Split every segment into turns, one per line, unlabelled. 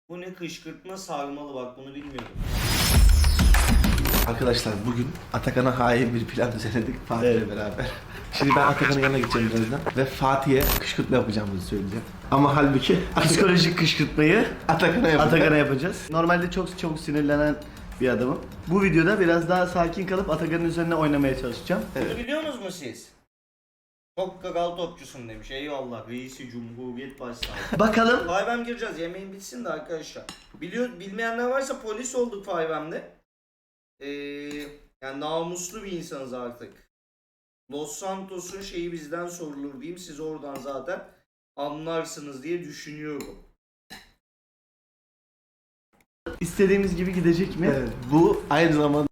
Bu ne kışkırtma sarmalı, bak bunu bilmiyordum.
Arkadaşlar bugün Atakan'a hain bir plan düzenledik Fatih'le beraber. Şimdi ben Atakan'ın yanına gideceğim birazdan ve Fatih'e kışkırtma yapacağımızı söyleyeceğim. Ama halbuki
Psikolojik kışkırtmayı
Atakan'a
yapacağız. Normalde çok sinirlenen bir adamım. Bu videoda biraz daha sakin kalıp Atakan'ın üzerine oynamaya çalışacağım.
Bunu biliyor musunuz mu siz? Çok kral topçusun demiş. Eyvallah. Reisi Cumhuriyet Başsavcısı.
Bakalım.
5M gireceğiz. Yemeğin bitsin de arkadaşlar. Bilmeyenler varsa polis olduk 5M'de. Yani namuslu bir insanız artık. Los Santos'un şeyi bizden sorulur diyeyim. Siz oradan zaten anlarsınız diye düşünüyorum.
İstediğimiz gibi gidecek mi?
Evet, bu aynı zamanda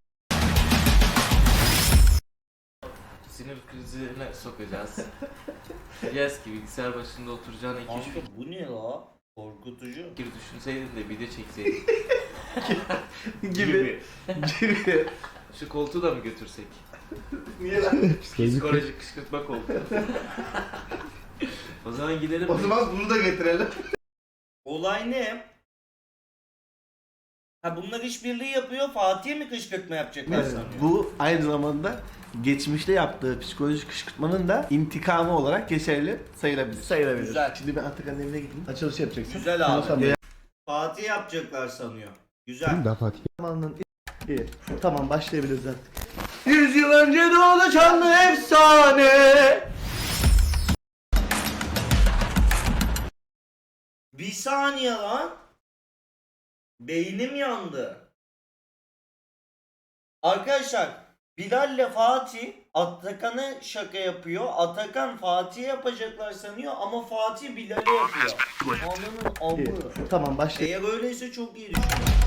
Sinir krizine sokacağız. Yes ki bilgisayar başında oturacağına 2-3
Kanka bu ne la? Korkutucu.
fikir düşünseydin de video çekseydin.
gibi.
Şu koltuğu da mı götürsek?
Niye lan?
Psikolojik kışkırtma koltuğu. O zaman gidelim.
O zaman bunu da getirelim.
Olay ne? Ha bunlar işbirliği yapıyor. Fatih'e mi kışkırtma yapacaklar
Evet,
sanıyor?
bu aynı zamanda geçmişte yaptığı psikolojik kışkırtmanın da intikamı olarak geçerli sayılabilir.
Sayılabilir.
Güzel.
Şimdi ben Atakan'ın evine gideyim.
Açılış yapacaksın.
Güzel abi.
Tamam.
Fatih yapacaklar sanıyor. Güzel.
Zamanının iyi. Tamam başlayabiliriz artık. 100 yıl önce doğdu çanlı efsane.
Bir saniye lan. Beynim yandı. Arkadaşlar Bilal'le Fatih Atakan'a şaka yapıyor. Atakan Fatih'e yapacaklar sanıyor ama Fatih Bilal'e yapıyor. Ananın
İyi.
amı.
Tamam başlayalım.
Eğer öyleyse çok iyi düşün.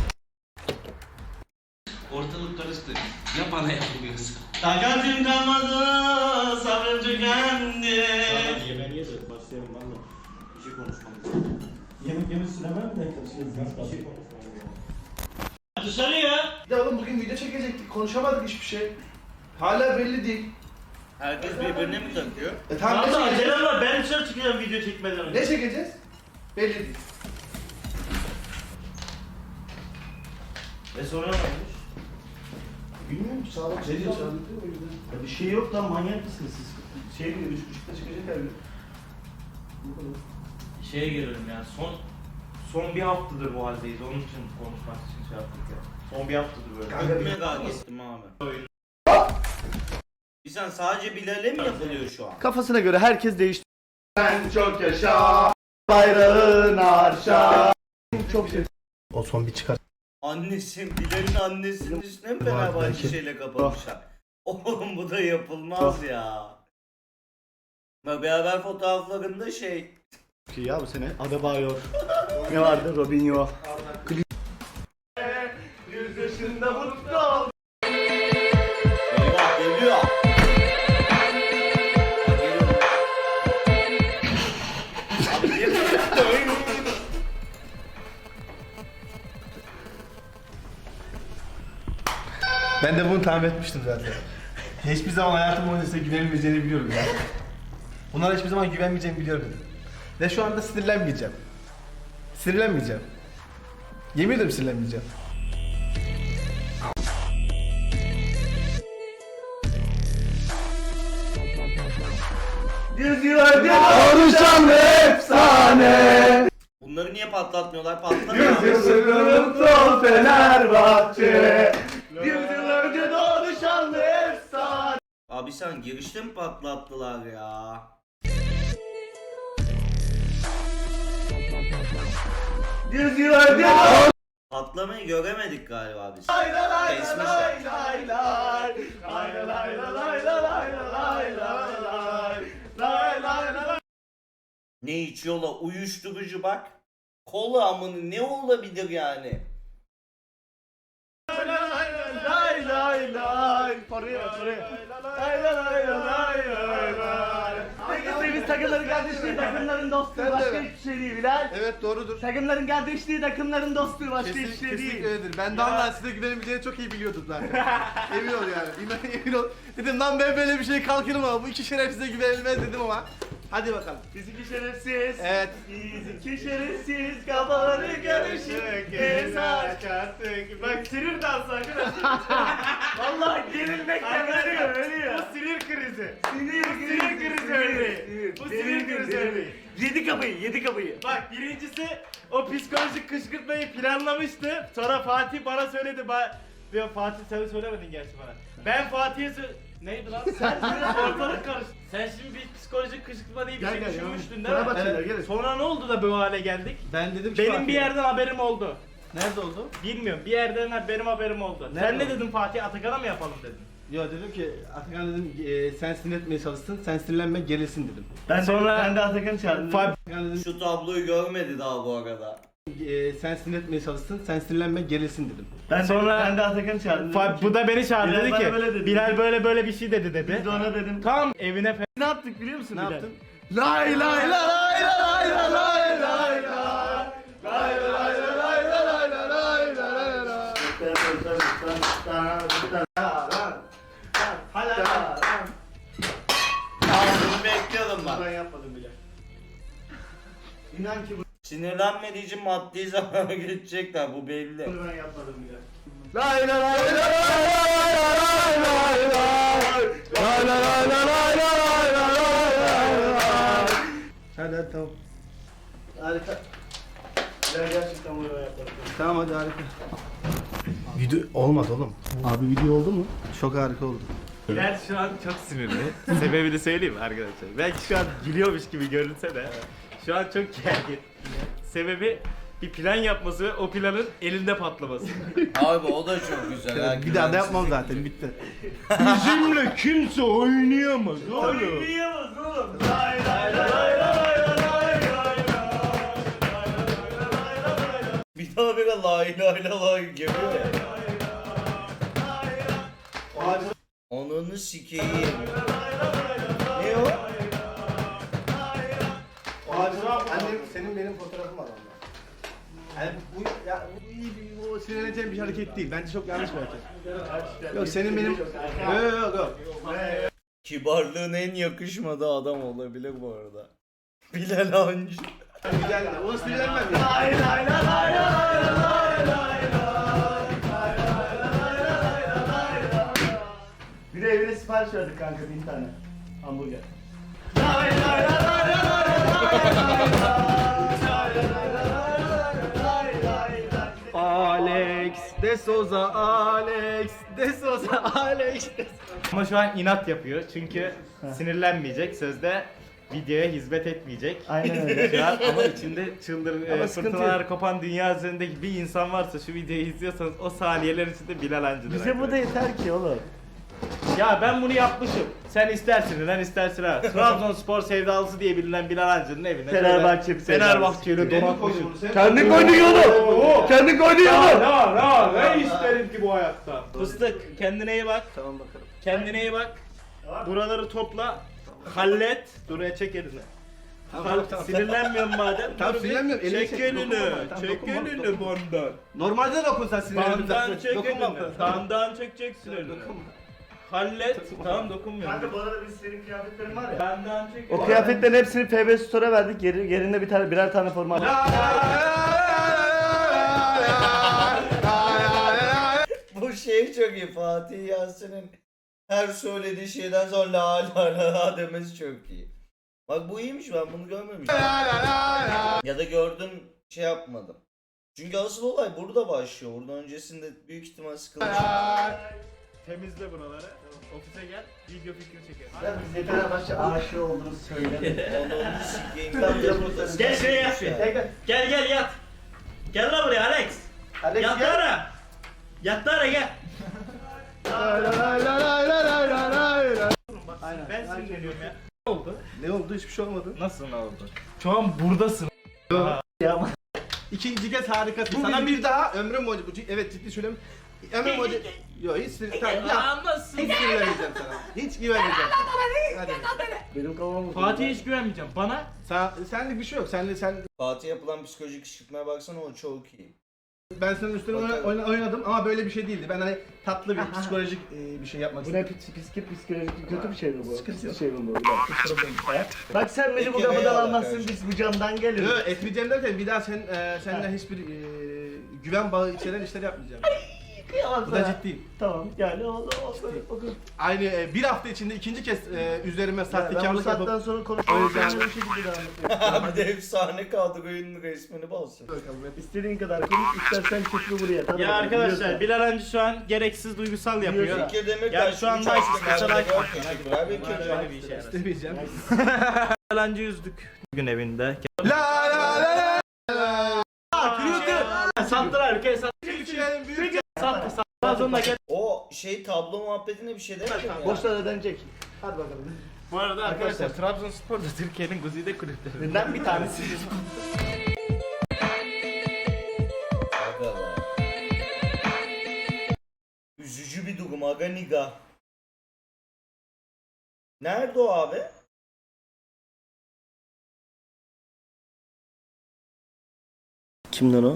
Ortalık karıştı. Ya bana yapılıyorsa.
Takatim kalmadı, sabrım tükendi.
Yemeğini yedir, başlayalım valla. Bir şey konuşmamız. Yemek yemesine ben de karışırız. Bir şey Dışarıya.
Ya oğlum bugün video çekecektik. Konuşamadık hiçbir şey. Hala belli değil.
Herkes birbirine mi takıyor?
Tamam ne
Tamam da
çekeceğiz?
acelem var, ben dışarı çıkacağım video çekmeden önce.
Ne çekeceğiz? Belli değil.
Sonra ne olmuş?
Bilmiyorum ki sağlık
Ne diyorsun?
o yüzden.
Ya bir şey yok lan, manyak mısınız siz? Şey diyor, 3.30'da çıkacak her gün. Bu kadar. Şeye gelelim ya, son bir haftadır bu haldeyiz, onun için konuşmak için şey yaptık ya. Son bir haftadır böyle.
Çok merak ettim abi. Sen sadece Bilal'e mi yapılıyor şu an?
Kafasına göre herkes değişti. Sen çok yaşa. Bayrağın arşa. Çok şey. O son bir çıkar.
Annesi, Bilal'in annesinin üstüne mi Fenerbahçe şeyle kapatmışlar? Oğlum bu da yapılmaz ya. Bak beraber fotoğraflarında şey.
Ya bu sene Adebayor. Ne vardı? Robinho.
Yüz yaşında mutlu ol.
Eyvah geliyor. Bak geliyor. Abi geliyor.
Ben de bunu tahmin etmiştim zaten. Hiçbir zaman hayatım boyunca size güvenmeyeceğini biliyorum ya. Bunlara hiçbir zaman güvenmeyeceğimi biliyorum. Ve şu anda sinirlenmeyeceğim. Sinirlenmeyeceğim. Yemin ederim sinirlenmeyeceğim.
Konuşan efsane.
Bunları niye patlatmıyorlar? Patlamıyor.
Mutlu ol Fenerbahçe. 100 yıl önce doğdu şanlı efsane.
Abi sen girişte mi patlattılar ya?
Yüz yıl önce doğdu.
Patlamayı göremedik galiba biz.
Lay lay lay
Kesmişler.
lay lay lay. Lay lay lay lay lay lay lay lay. Lay lay lay.
Ne içiyorlar? Uyuşturucu bak. Kola amını ne olabilir yani?
Lay lay lay. Paraya. Lay lay lay lay lay lay. Peki biz takımların kardeşliği, takımların dostluğu başka hiçbir şey değil Bilal.
Evet doğrudur.
Takımların kardeşliği, takımların dostluğu başka hiçbir şey
Kesinlikle
değil.
öyledir. Ben de Allah size güvenebileceğini çok iyi biliyordum zaten. Emin ol yani. Emin ol. Dedim lan ben böyle bir şey kalkırım ama bu iki şerefsize güvenilmez dedim ama. Hadi bakalım.
Biz iki şerefsiz.
Evet.
Biz iki şerefsiz kafaları görüyoruz.
Bak sinir dansı arkadaşlar. Vallahi gerilmekten ölüyor. Bu sinir krizi. Sinir krizi örneği. Bu sinir krizi örneği. Yedi kapıyı. Bak birincisi o psikolojik kışkırtmayı planlamıştı. Sonra Fatih bana söyledi. Diyor Fatih sen söylemedin gerçi bana. Ben Fatih'e neydi lan? Sen ortalık karıştı. Sen şimdi bir psikolojik kışkırtma diye bir şey düşünmüştün değil mi?
Evet.
Sonra ne oldu da bu hale geldik?
Ben dedim ki
Benim
Fatih'e-
bir yerden haberim oldu.
Nerede oldu?
Bilmiyorum. Bir yerden benim haberim oldu.
Nerede
Sen ne
oldu?
dedin Fatih? Atakan'a mı yapalım dedin?
Yo dedim ki Atakan dedim sen sinir etmeye çalışsın, sen sinirlenme gerilsin dedim.
Ben de Atakan'ı çağırdım.
Atakan dedim
Şu tabloyu görmedi daha bu arada.
sen sinir etmeye çalışsın, sen sinirlenme gerilsin dedim.
Ben de Atakan'ı çağırdım.
Bu da beni çağırdı
Bilal
dedi
bana
ki
böyle dedi.
Bilal böyle bir şey dedi dedi.
Biz de ona dedim.
Tam evine
Ne yaptık biliyor musun
Ne
Bilal?
yaptın? Lay lay lay lay lay lay lay lay
Bunu bekliyordum ben.
Ben yapmadım bile. İnan ki
Sinirlenmediği için maddi zamana geçecekler bu belli.
bunu ben yapmadım bile.
lay lay lay lay lay lay lay lay. Hadi tamam.
Harika. Ben gerçekten bunu ben yapmadım.
Tamam hadi harika. Video olmadı oğlum. Abi video oldu mu? Çok harika oldu.
Bilal şu an çok sinirli. Sebebini söyleyeyim mi arkadaşlar? Belki şu an gülüyormuş gibi görünse de şu an çok gergin. Sebebi bir plan yapması ve o planın elinde patlaması.
Abi o da çok güzel.
Bir daha da yapmam zaten bitti.
Bizimle kimse oynayamaz oğlum.
Oynayamaz oğlum. Lay lay lay lay lay lay lay.
Bir daha bir lay lay lay geliyor ya. Onunu sikeyim.
Ne o? Annem senin benim fotoğrafım var onda. Yani bu ya bu iyi bir bu sinirleneceğim bir hareket değil. Bence çok yanlış bir hareket. Yok senin benim yok.
Kibarlığın en yakışmadığı adam olabilir bu arada. Bilal Hancı.
Güzel. Ona sinirlenmem ya.
Lay lay lay lay lay lay lay. Bir de evine sipariş verdik kanka 1000 tane hamburger.
Alex de Souza, Alex de Souza, Alex de
Ama şu an inat yapıyor çünkü sinirlenmeyecek sözde videoya hizmet etmeyecek.
Aynen öyle.
Şu an ama içinde
Ama sıkıntı
fırtınalar kopan dünya üzerindeki bir insan varsa şu videoyu izliyorsanız o saniyeler içinde Bilal Hancı'dır.
Bize bu da yeter ki oğlum.
Ya ben bunu yapmışım. Sen istersin lan istersin ha. Trabzonspor sevdalısı diye bilinen Bilal Hancı'nın evine.
Fenerbahçe
Fenerbahçe'yle donatmışım.
Kendin koydun oğlum. Kendin koydun
Ne isterim ki bu hayatta? Fıstık kendine iyi bak.
Tamam bakalım.
Kendine iyi bak. Buraları topla. Hallet. Duraya çek elini.
Tamam.
Sinirlenmiyorum madem.
Tamam,
Dur bir
sinirlenmiyorum. Elini
Çek
çek,
elini.
dokunma bana. Tamam,
Çek
dokunma,
elini
dokunma.
bandan.
Normalde dokun sen sinirlendim
Bandan çek
Dokunma.
elini. Bandan çekeceksin elini. Hallet. Tamam dokunmuyorum.
Kanka bu arada biz senin kıyafetlerin var ya.
Bandan çek
O
elini.
kıyafetlerin hepsini FB Store'a verdik. Yerinde birer tane forma aldık.
Bu şey çok iyi. Fatih Yasin'in her söylediği şeyden sonra la la la la demesi çok iyi. Bak bu iyiymiş, ben bunu görmemiştim. Ya da gördüm şey yapmadım. Çünkü asıl olay burada başlıyor. Buradan öncesinde büyük ihtimal sıkılmış.
Temizle buraları. Ofise gel. Video fikri çekelim.
Biz Fenerbahçe aşığı olduğunu söyle.
Onu sikeyim.
Gel şuraya yat. Gel yat. Gel lan buraya Alex.
Alex
Yat
gel.
ara. Yat ara gel.
Aynen.
Ben sinirleniyorum ya. Ne oldu?
Ne oldu? Hiçbir şey olmadı.
Nasıl ne oldu? Şu an buradasın.
İkinci kez harikasın. Sana bir daha ömrüm boyunca evet ciddi söylüyorum. Ömrüm boyunca yok hiç tamam ya.
Nasıl?
Hiç güvenmeyeceğim sana. Hiç güvenmeyeceğim. Hadi.
Benim kafam
Fatih'e hiç güvenmeyeceğim. Bana
Senlik bir şey yok. Sen
Fatih yapılan psikolojik kışkırtmaya baksana, o çok iyi.
Ben senin üstüne oynadım ama böyle bir şey değildi. Ben hani tatlı bir psikolojik bir şey yapmak
Bu ne
istedim.
psikolojik kötü bir şey mi bu?
Sıkıntı yok.
Bir şey mi bu? Bak sen beni bu
Peki,
kapıdan
eyvallah
almazsın,
kardeşim.
biz bu camdan geliriz.
Yok etmeyeceğim derken bir daha seninle hiçbir güven bağı içeren işler yapmayacağım.
Kıyamam
Bu da
sana.
ciddiyim.
Tamam yani oldu.
Aynı bir hafta içinde ikinci kez üzerime
Ben bu
sahtekarlık
saatten
yapıp
sonra konuşmayı
Öyle
bir şekilde devam etmek.
Bir de efsane kaldı oyunun resmini balsın.
İstediğin kadar konuş, istersen çıkma buraya. Tamam,
Ya arkadaşlar
biliyorsun.
Bilal Hancı şu an gereksiz duygusal yapıyor.
Fikir demek
Yani şu anda kaçarak
teşekkürler. Bekir
Öyle bir şey.
istemeyeceğim.
Bilal Hancı yüzdük bugün evinde.
La la la la.
Sattılar ülkeyi
Türkiye'nin büyük
sattı. Sonra gel.
O şey tablo muhabbetine bir şey demedin mi ya?
Boşlar ödenecek. Hadi bakalım.
Bu arada arkadaşlar Trabzonspor da Türkiye'nin güzide kulüpleri.
Neden bir tanesi?
Aga be. Üzücü bir durum aga niga. Nerede o abi?
Kimden o?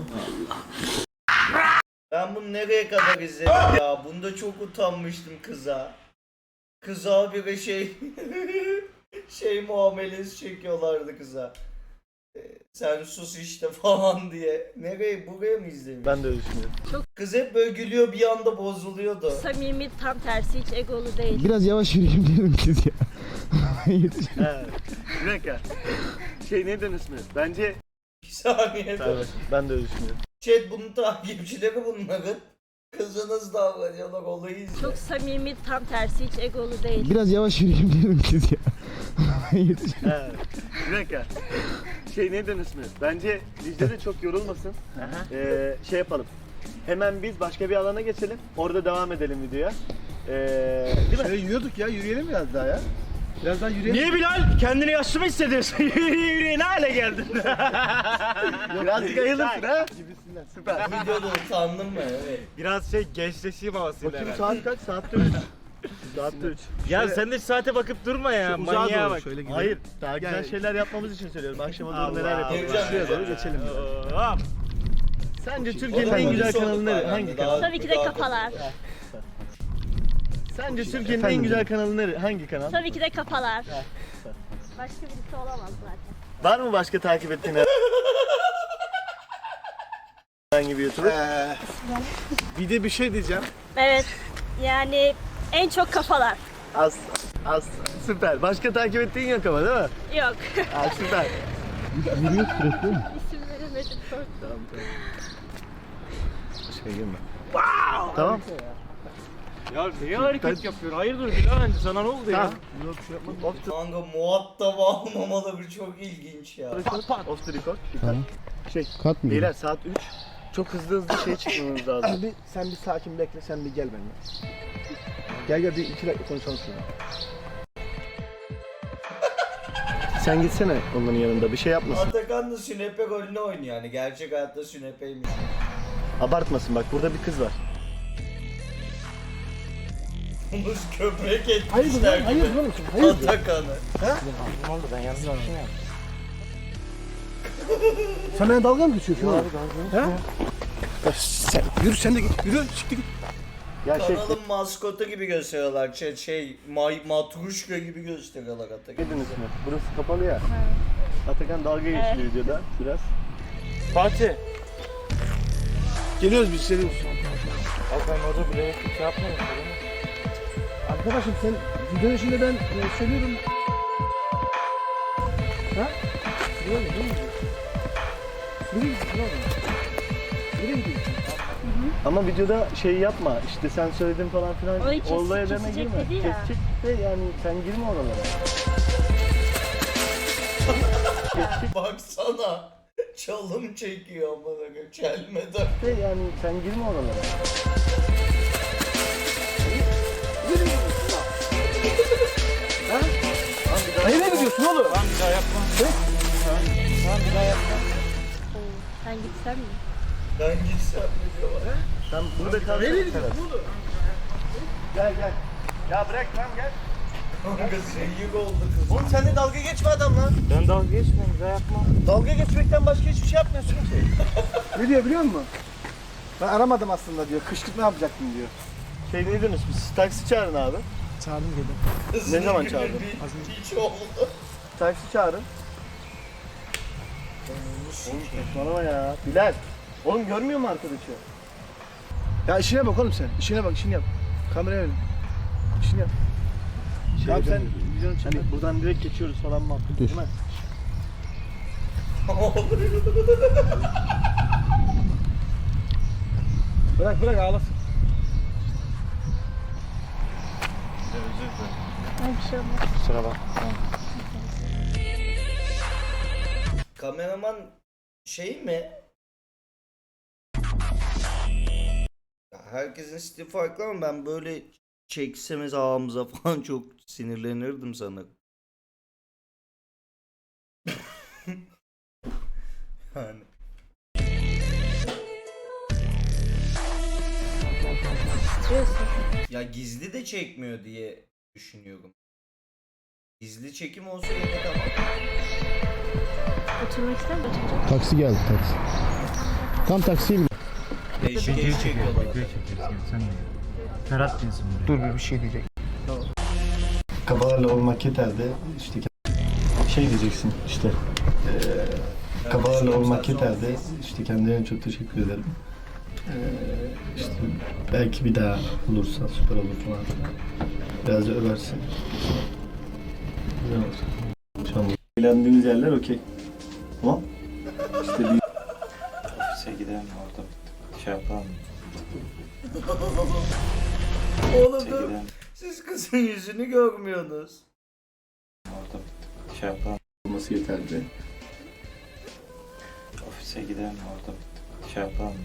Ben bunu nereye kadar izledim ya? Bunda çok utanmıştım kıza. Kıza bir şey muamelesi çekiyorlardı kıza. Sen sus işte falan diye. Nereye buraya mı izlemiş?
Ben de öyle düşünüyorum.
Kız hep böyle gülüyor bir anda bozuluyordu.
Samimi, tam tersi, hiç egolu değil.
Biraz yavaş yürüyeyim diyorum siz ya.
He. Bir dakika. Şey neyden ismi? Bence...
Bir saniye.
Evet. Ben de öyle düşünüyorum.
Chat bunun takipçileri bunların. Kıza nasıl davranıyorlar olayı izle.
Çok samimi, tam tersi, hiç egolu değil.
Biraz yavaş yürüyeyim diyorum siz ya.
He. Bir dakika. Şey neyden ismi? Bence Dicle de çok yorulmasın. Şey yapalım. Hemen biz başka bir alana geçelim. Orada devam edelim videoya. Değil mi?
Şöyle yürüyorduk ya, yürüyelim biraz daha ya. Biraz daha yürüyelim.
Niye Bilal? Kendini yaşlı mı hissediyorsun? Yürüye ne hale geldin?
Birazcık ayılırsın ha? Gibisinden. Süper.
Videoda utandın mı? Evet.
Biraz şey gençleşeyim havasıyla.
Bakayım saat kaç? Saatte 3. Saatte 3.
Ya sen de saate bakıp durma ya.
Uzağa
Manyağa
doğru
bak.
şöyle gidelim.
Hayır, daha güzel
Yani-
şeyler yapmamız için söylüyorum. Akşama doğru
Allah
neler yapalım.
Allah.
Şuraya doğru geçelim.
Hop.
Sence
O
Türkiye'nin
da
en güzel
öncüsü
kanalı
olduk
nere?
falan.
Hangi
Daha-
kanal?
Tabii ki de kafalar.
Sence Türkiye'nin en güzel kanalı nere? Hangi kanal?
Tabii ki de kafalar. Başka birisi olamaz zaten.
Var mı başka takip ettiğin herhangi bir YouTuber?
Bir de bir şey diyeceğim.
Evet, yani en çok kafalar.
Az süper. Başka takip ettiğin yok ama değil mi?
Yok.
Ha, süper.
İsim veremedim.
Başka girme. Tamam.
Ya niye hareket yapıyor? Hayırdır Bilal Hancı sana ne oldu ya?
Tamam. Yok bir şey yapmadım.
Kanka muhatap almamaları çok ilginç ya.
Off the record. Dikkat. Şey,
Kat mı?
beyler saat 3. Çok hızlı şey çıkmamız lazım.
Abi sen bir sakin bekle, sen bir gel benimle. Gel bir 2 dakika konuşalım şurada.
Sen gitsene onların yanında bir şey yapmasın.
Atakan da sünepe rolünü oynuyor yani. Gerçek hayatta sünepeymiş.
Abartmasın bak burada bir kız var.
Bunu köpek etmişler gibi.
Hayır oğlum, hayır.
Atakan'ı.
Sen bana dalga mı geçiyorsun oğlum? Ha? Sen yürü, sen de git, yürü, çıktı git.
Ya şey,
Kanalın maskotu gibi gösteriyorlar. Matruşka gibi gösteriyorlar Atakan.
dediniz mi? Burası kapalı ya. Atakan dalga geçti videoda biraz.
Fatih.
Geliyoruz biz, geliyoruz.
Abi ben orada bile şey yapmadım.
Arkadaşım sen videonun içinde ben söylüyorum. Ha? Nereye gidiyorsun? Nereye gidiyorsun oğlum? Nereye gidiyorsun?
Ama videoda şey yapma işte sen söyledin falan filan.
Orayı
Olaya deme
kesecek
girme.
dedi ya.
Kesecek de yani sen girme oralara.
Baksana. Çalım çekiyor amına koyayım. Çelmeden.
De yani sen girme oralara.
Nereye gidiyorsun oğlum?
Tamam bir daha yapma. Tamam bir daha yapma.
Sen gitsen mi?
Ben gitsem mi diyorlar.
Sen burada kal.
Nereye gidiyorsun oğlum?
Gel gel. Ya bırak lan gel.
Kanka zehir oldu kız.
Oğlum sen de dalga geçme adamla.
Ben dalga geçmiyorum bir daha yapma.
Dalga geçmekten başka hiçbir şey yapmıyorsun ki.
Ne diyor biliyor musun? Ben aramadım aslında diyor. Kışkırtma yapacaktım diyor.
Şey ne diyorsunuz biz? Taksi çağırın abi.
Çağırdım geldim.
Ne zaman çağırdın?
Hiç oldu.
Taksi çağırın. Oğlum saçmalama ya. Bilal. Oğlum görmüyor mu arkadaşı?
Ya işine bak oğlum sen. İşine bak, işini yap. Kameraya verin. İşini yap. Tamam sen videonu çek.
Hani buradan direkt geçiyoruz falan muhabbet değil mi?
Bırak ağlasın.
Ay bir şey olmaz.
Kusura bak.
Kameraman şey mi? Ya herkesin stili farklı ama ben böyle çeksemiz ağımıza falan çok sinirlenirdim sanırım. Yani.
Titriyorsun.
Ya gizli de çekmiyor diye düşünüyorum. Gizli çekim olsa yine tamam.
Oturmak ister misin? Oturacak.
Taksi geldi taksi. Tam taksiye bin.
Değişik çekiyorlar.
Ferhat diyorsun buraya.
Dur bir şey diyecek. Kabalarla olmak yeter de işte şey diyeceksin işte. Kabalarla olmak yeter de işte kendilerine çok teşekkür ederim. İşte belki bir daha olursa süper olur falan. Biraz da översin. Güzel olur. Şu an eğlendiğimiz yerler okey. Tamam. İşte bir
Ofise gidelim orada şey yapalım.
Oğlum
Ofise
dur.
gidelim
Siz kızın yüzünü görmüyorsunuz.
orada şey yapalım.
olması yeterli.
Ofise gidelim orada şey yapalım.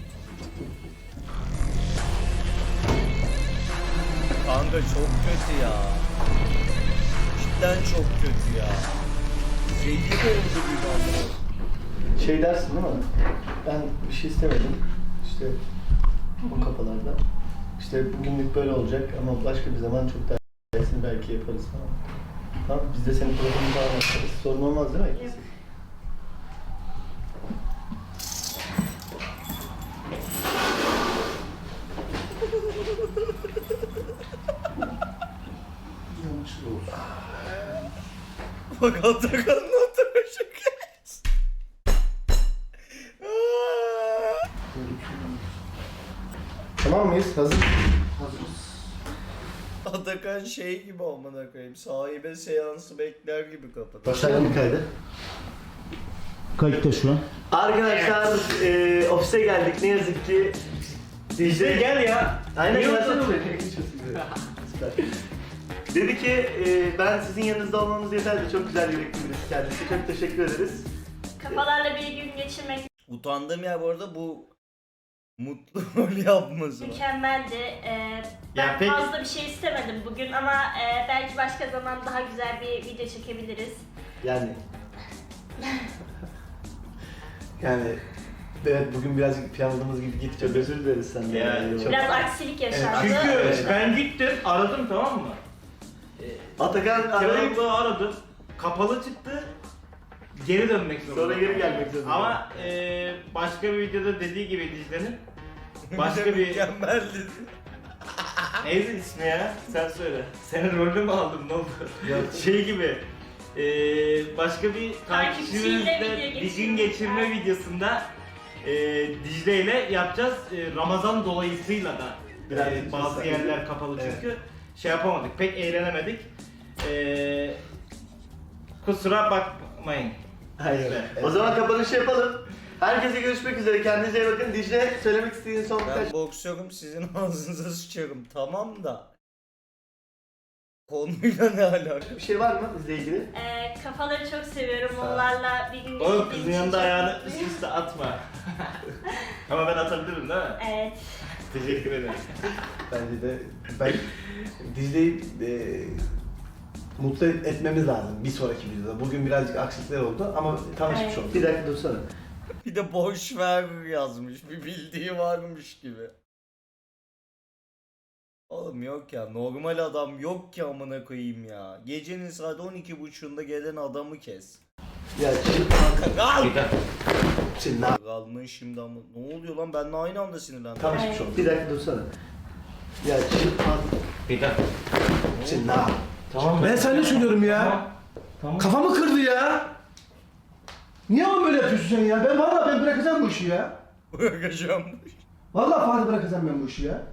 Kanka çok kötü ya. Cidden çok kötü ya. Zehir oldu bir anda.
Şey dersin değil mi? Ben bir şey istemedim. İşte bu kafalarda. İşte bugünlük böyle olacak ama başka bir zaman çok daha iyisini belki yaparız falan. Tamam biz de senin programını daha yaparız. Sorun olmaz değil mi?
Yok.
Bak Atakan'ın oturuşu kes.
Tamam mıyız? Hazır.
Atakan şey gibi amına koyayım. Sahibe seansı bekler gibi kapatıyor.
Başlayalım mı kaydı?
Kayıtta şu an.
Arkadaşlar ofise geldik ne yazık ki.
İşte gel ya.
Aynen
Niye
gelsene.
oturdun?
Süper. Dedi ki ben sizin yanınızda olmamız yeterli. Çok güzel yürekli birisi kendisi. Çok teşekkür ederiz.
Kafalarla bir gün geçirmek
Utandığım yer bu arada bu mutlu rol yapması.
mükemmeldi. Ben
Ya peki-
fazla bir şey istemedim bugün ama belki başka zaman daha güzel bir video çekebiliriz.
Yani. Yani evet bugün birazcık planladığımız gibi gitti.
Çok özür dileriz senden.
Yani
Çok-
Biraz aksilik yaşandı.
Çünkü ben gittim aradım tamam mı?
Atakan arayıp
Kebaplığı aradım. Kapalı çıktı. Geri dönmek zorunda.
sonra geri gelmek zorunda.
Ama başka bir videoda dediği gibi Dicle'nin başka bir
Mükemmeldi.
neydi ismi ya? Sen söyle. Senin rolünü mü aldım ne oldu? Şey gibi başka bir
Takipçiyle
takipçimizle
video
bir
geçirme.
gün geçirme videosunda Dicle ile yapacağız. Ramazan dolayısıyla da
Birazcık
bazı
yasak.
yerler kapalı
Evet.
çünkü şey yapamadık. Pek eğlenemedik. Kusura bakmayın.
Hayır.
İşte.
O zaman kapanışı yapalım. Herkese görüşmek üzere. Kendinize iyi bakın. Dicle söylemek istediğin son birkaç
Ben boksörüm sizin ağzınıza sıçarım tamam da. Konuyla ne alaka?
bir şey var mı bizle ilgili?
Kafaları çok seviyorum. Onlarla bir gün
Oğlum
geçirdiğim
kızın
için
yanında
çok
ayağını
mutluyum.
üst üste atma. Ama ben atabilirim değil mi?
Evet.
Teşekkür ederim.
Bence de ben Dicle'yi mutlu etmemiz lazım bir sonraki videoda. Bugün birazcık aksilikler oldu ama tanışmış
Evet.
olduk.
Bir dakika dursana.
Bir de boş ver yazmış. Bir bildiği varmış gibi. Oğlum yok ya normal adam yok ki amına koyayım ya. Gecenin saat 12.30'unda gelen adamı kes.
Ya
Al!
Senin abi.
Kaldın şimdi ama ne oluyor lan, benle aynı anda sinirlendim.
Tamam hiçbir şey olmaz. Bir dakika dursana. Ya şimdi
Bir dakika.
senin abi.
Tamam.
Ben sana ne söylüyorum ya?
Tamam.
Kafamı kırdı ya. Niye ama böyle yapıyorsun sen ya? Ben bırakacağım bu işi ya.
Bırakacağım.
Vallahi Fatih bırakacağım ben bu işi ya.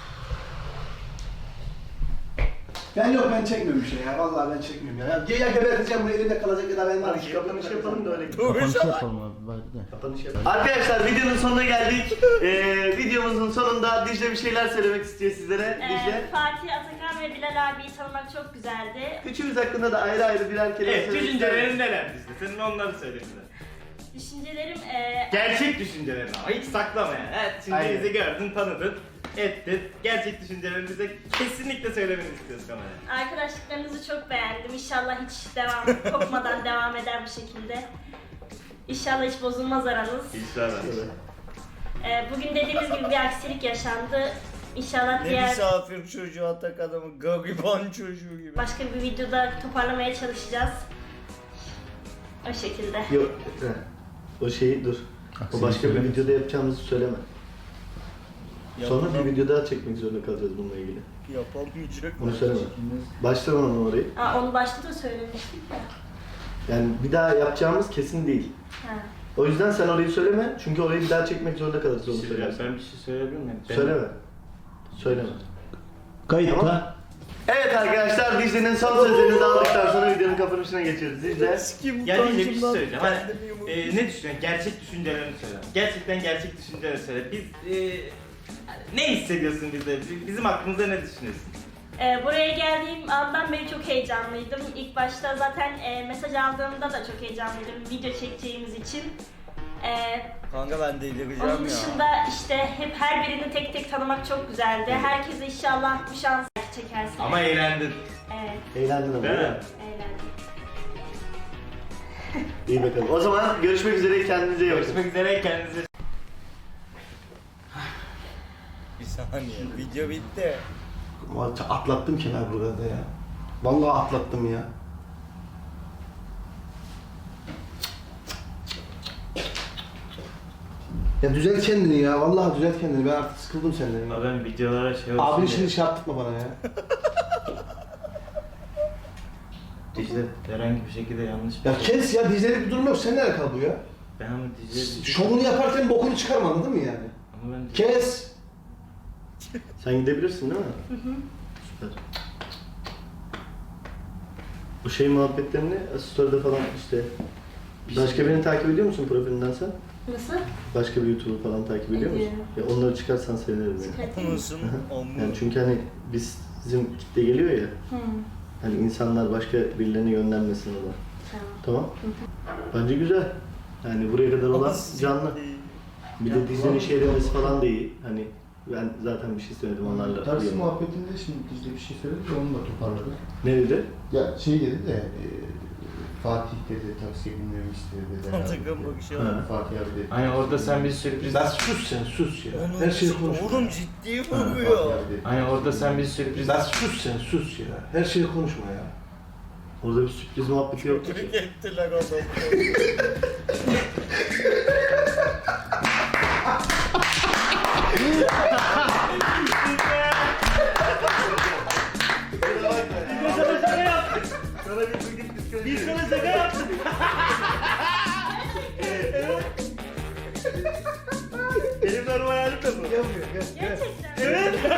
Ben çekmiyorum bir şey ya. Vallahi ben çekmiyorum ya. Ya geberteceğim bu elimde kalacak ya da ben
Hadi kapanış yapalım da öyle.
Kapanış yapalım abi. Bari de.
Kapanış yapalım.
Arkadaşlar videonun sonuna geldik. Videomuzun sonunda Dicle bir şeyler söylemek istiyor sizlere. Dicle.
Fatih, Atakan ve Bilal abiyi tanımak çok güzeldi.
Üçümüz hakkında da ayrı ayrı birer kelime
Evet,
söylemek
düşüncelerin
istiyorum.
neler Dicle? Senin onları söyle bize.
Düşüncelerim
Gerçek düşüncelerini ama hiç saklama yani. Evet, şimdi
Aynen.
bizi gördün, tanıdın, ettin. Gerçek düşüncelerini bize kesinlikle söylemeni istiyoruz kameraya.
arkadaşlıklarınızı çok beğendim. İnşallah hiç kopmadan devam eder bu şekilde. İnşallah hiç bozulmaz aranız.
İnşallah.
Bugün dediğimiz gibi bir aksilik yaşandı. İnşallah
Ne
diğer
misafir çocuğu, atak adamı, gariban çocuğu gibi.
başka bir videoda toparlamaya çalışacağız. O şekilde.
Yok. O şeyi dur. O başka bir videoda yapacağımızı söyleme. Sonra bir video daha çekmek zorunda kalacağız bununla ilgili.
Yapamayacak.
Onu söyleme. Başlama onu orayı.
Onu başta da söylemiştik de.
Yani bir daha yapacağımız kesin değil.
Ha.
O yüzden sen orayı söyleme. Çünkü orayı bir daha çekmek zorunda kalırız onu söylersen.
Ben bir şey söyleyebilir miyim?
Söyleme. Söyleme.
Kayıtta.
Tamam. Evet arkadaşlar Dicle'nin son sözlerini de aldıktan sonra videonun kapanışına geçiyoruz. Dicle.
Ya Dicle bir şey söyleyeceğim. Hani, ne düşünüyorsun? Gerçek düşüncelerini söyle. Gerçekten gerçek düşüncelerini söyle. Biz ne hissediyorsun bize? Bizim hakkımızda ne düşünüyorsun?
Buraya geldiğim andan beri çok heyecanlıydım. İlk başta zaten mesaj aldığımda da çok heyecanlıydım video çekeceğimiz için.
Kanka ben delireceğim
Onun
ya.
dışında işte hep her birini tek tek tanımak çok güzeldi. Herkese inşallah bu şansı çekersin.
Ama eğlendin.
Evet,
Eğlendin ama.
Değil mi?
eğlendim.
İyi bakalım. O zaman görüşmek üzere, kendinize iyi bakın.
Görüşmek üzere, kendinize
Bir saniye, video bitti.
Vallahi atlattım kenar burada ya. Vallahi atlattım ya. Ya düzelt kendini ya. Vallahi düzelt kendini. Ben artık sıkıldım senden. Ya.
Ben videolara şey olsun
Abin
diye.
şimdi şey yaptırma bana ya.
Dicle herhangi bir şekilde yanlış bir
Ya
şey.
kes ya. Dizleri bir durum yok. Sen nerede kal bu ya?
Ben ama Dicle...
Şovunu yaparken bokunu çıkarma, anladın mı yani?
Ama ben
Kes.
Sen gidebilirsin değil mi? Süper. Bu şey muhabbetlerini story'de falan işte... Başka birini takip ediyor musun profilinden sen?
Nasıl?
Başka bir YouTuber falan takip ediyor musun? Ya onları çıkarsan sevinirim yani.
Çıkartayım mı?
Musun?
Yani çünkü hani bizim kitle geliyor ya, hani insanlar başka birilerine yönlenmesin ona.
Tamam.
Tamam? Bence güzel. Yani buraya kadar olan canlı. Bir de Dicle'nin şey demesi falan da iyi. Hani ben zaten bir şey söyledim onlarla.
Taksi
uyuyorum.
muhabbetinde şimdi Dicle bir şey söyledi de onu da toparladı.
Ne dedi?
Ya şey dedi de Fatih dedi taksiye binmemi istedi dedi.
Atakan bakışı var.
Fatih abi dedi.
Hani orada sen bir sürpriz...
Lan sus sen, sus ya.
Onu
Her şeyi konuşma.
Oğlum ciddi
Fatih
vuruyor.
abi dedi.
Hani orada sen bir sürpriz...
Lan sus sen, sus ya. Her şeyi konuşma ya.
Orada bir sürpriz muhabbeti yoktu ki.
Kötülük ettiler adamı.
Sana şaka yaptık. Sana bir bugün psikoloji. Biz sana şaka yaptık. Evet. Benim normal halim de bu.
Gerçekten.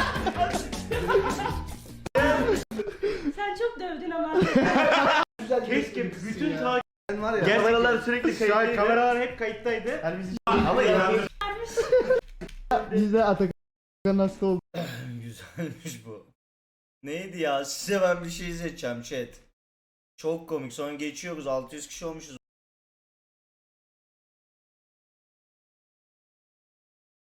Sen çok dövdün ama.
Keşke bütün takip...
Sen var ya.
Kameralar sürekli
Şu an
kayıtlıydı.
kameralar hep kayıttaydı.
Hani biz
Ama inandım.
Bizde Atakan hasta oldu.
Güzelmiş bu. Neydi ya? Size ben bir şey izleteceğim chat. Çok komik. Sonra geçiyoruz. 600 kişi olmuşuz.